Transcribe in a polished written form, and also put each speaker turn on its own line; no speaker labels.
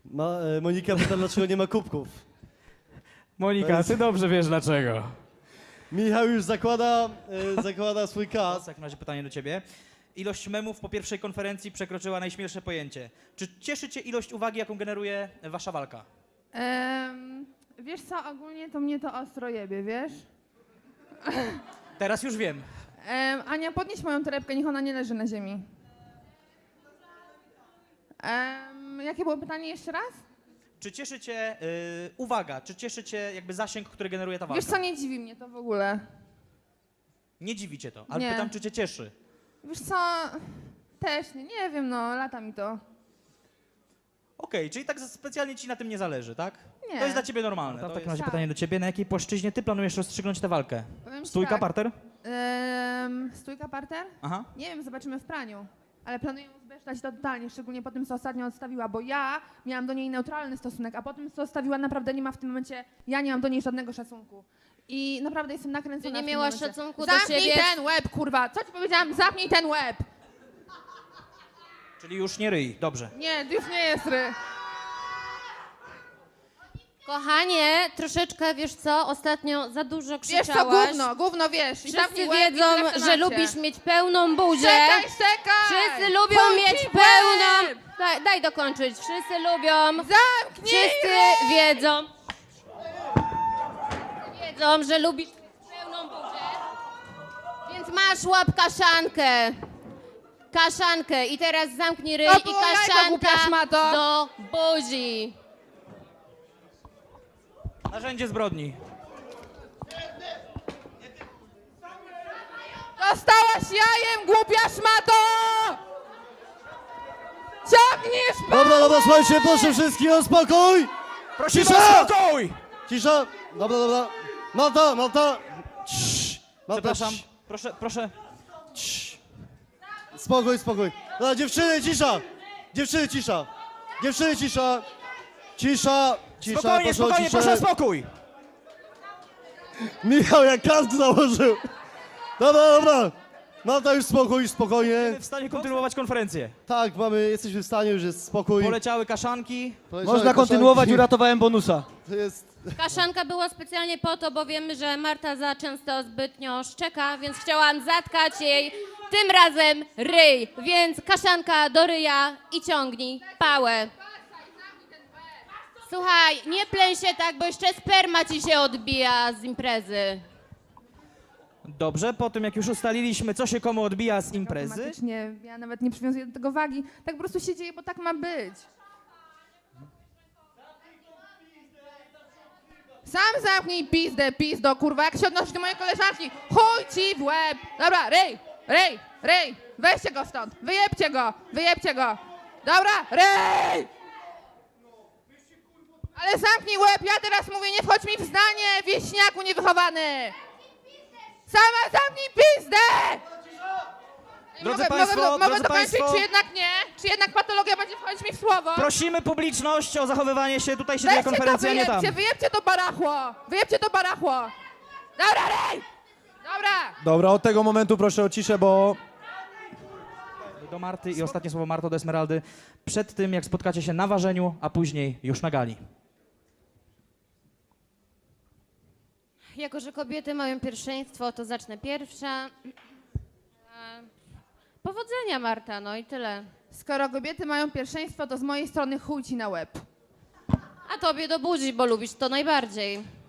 Monika pyta, dlaczego nie ma kubków.
Monika, ty dobrze wiesz dlaczego.
Michał już zakłada swój kas.
W takim razie pytanie do ciebie. Ilość memów po pierwszej konferencji przekroczyła najśmielsze pojęcie. Czy cieszy cię ilość uwagi, jaką generuje wasza walka?
Wiesz co, ogólnie to mnie to ostro jebie, wiesz?
Teraz już wiem.
Ania, podnieś moją torebkę, niech ona nie leży na ziemi. Jakie było pytanie jeszcze raz?
Czy cieszy cię uwaga, czy cieszy cię jakby zasięg, który generuje ta walka?
Wiesz co, nie dziwi mnie to w ogóle.
Nie dziwi cię to, ale
Nie.
pytam, czy cię cieszy.
Wiesz co, też nie wiem, no, lata mi to.
Okej, czyli tak specjalnie ci na tym nie zależy, tak?
Nie.
To jest dla ciebie normalne. To w takim razie
Tak.
pytanie do ciebie. Na jakiej płaszczyźnie ty planujesz rozstrzygnąć tę walkę?
Powiem ci
Stójka,
tak,
parter?
Stójka, parter?
Aha.
Nie wiem, zobaczymy w praniu. Ale planuję uzbesztać to totalnie, szczególnie po tym, co ostatnio odstawiła, bo ja miałam do niej neutralny stosunek, a po tym, co odstawiła, naprawdę nie ma w tym momencie, ja nie mam do niej żadnego szacunku. I naprawdę jestem nakręcona.
Ty nie
w tym
miałaś
momencie.
szacunku do
Zamknij
siebie?
ten łeb, kurwa! Co ci powiedziałam? Zamknij ten łeb!
Czyli już nie ryj, dobrze.
Nie, to już nie jest ry.
Kochanie, troszeczkę, wiesz co, ostatnio za dużo
Wiesz co,
krzyczałaś.
gówno, wiesz. I
Wszyscy
zamknij łeb i
wiedzą,
tyle w
że
temacie.
lubisz mieć pełną buzię.
Czekaj!
Wszyscy lubią
Chuj
mieć
ci w
pełną...
łeb!
Daj dokończyć. Wszyscy lubią...
Zamknij
Wszyscy
ryj!
wiedzą, że lubisz mieć pełną buzię. Więc masz łap kaszankę. Kaszankę. I teraz zamknij ryj
To
i
było jajko, głupia
kaszanka
szmato.
do buzi.
Narzędzie zbrodni.
Dostałaś jajem, głupia szmato! Ciągniesz
Dobra, słuchajcie, proszę wszystkich o spokój!
Prosimy
Cisza!
o spokój!
Cisza! Dobra. Malta! Cii. Malta,
Przepraszam,
cii.
proszę.
Spokój. Dobra, dziewczyny, cisza! Cisza,
Spokojnie, proszę o spokój!
Michał jak kask założył. Dobra. Malta, już spokojnie.
Jesteśmy w stanie kontynuować konferencję.
Tak, jesteśmy w stanie, już jest spokój.
Poleciały kaszanki.
Poleciały
Można kontynuować,
kaszanki.
uratowałem bonusa.
To jest...
Kaszanka była specjalnie po to, bo wiemy, że Marta za często zbytnio szczeka, więc chciałam zatkać jej tym razem ryj. Więc kaszanka do ryja i ciągnij pałę. Słuchaj, nie pleń się tak, bo jeszcze sperma ci się odbija z imprezy.
Dobrze, po tym jak już ustaliliśmy, co się komu odbija z imprezy,
Automatycznie, ja nawet nie przywiązuję do tego wagi. Tak po prostu się dzieje, bo tak ma być. Sam zamknij pizdo, kurwa, jak się odnosisz do mojej koleżanki. Chuj ci w łeb. Dobra, ryj. Weźcie go stąd. Wyjebcie go. Dobra, ryj. Ale zamknij łeb, ja teraz mówię, nie wchodź mi w zdanie, wieśniaku niewychowany. Sama zamknij pizdę!
Drodzy
Mogę
państwo,
dokończyć, czy jednak nie? Czy jednak patologia będzie wchodzić mi w słowo?
prosimy publiczność o zachowywanie się. Tutaj się dzieje konferencja, a nie tam.
Wyjebcie to barachło! Dobra, rej! Dobra!
Dobra, od tego momentu proszę o ciszę, bo...
Do Marty i ostatnie słowo Marto do Esmeraldy. Przed tym, jak spotkacie się na ważeniu, a później już na gali.
Jako że kobiety mają pierwszeństwo, to zacznę pierwsza. Powodzenia, Marta, no i tyle.
Skoro kobiety mają pierwszeństwo, to z mojej strony chuj ci na łeb.
A tobie do buzi, bo lubisz to najbardziej.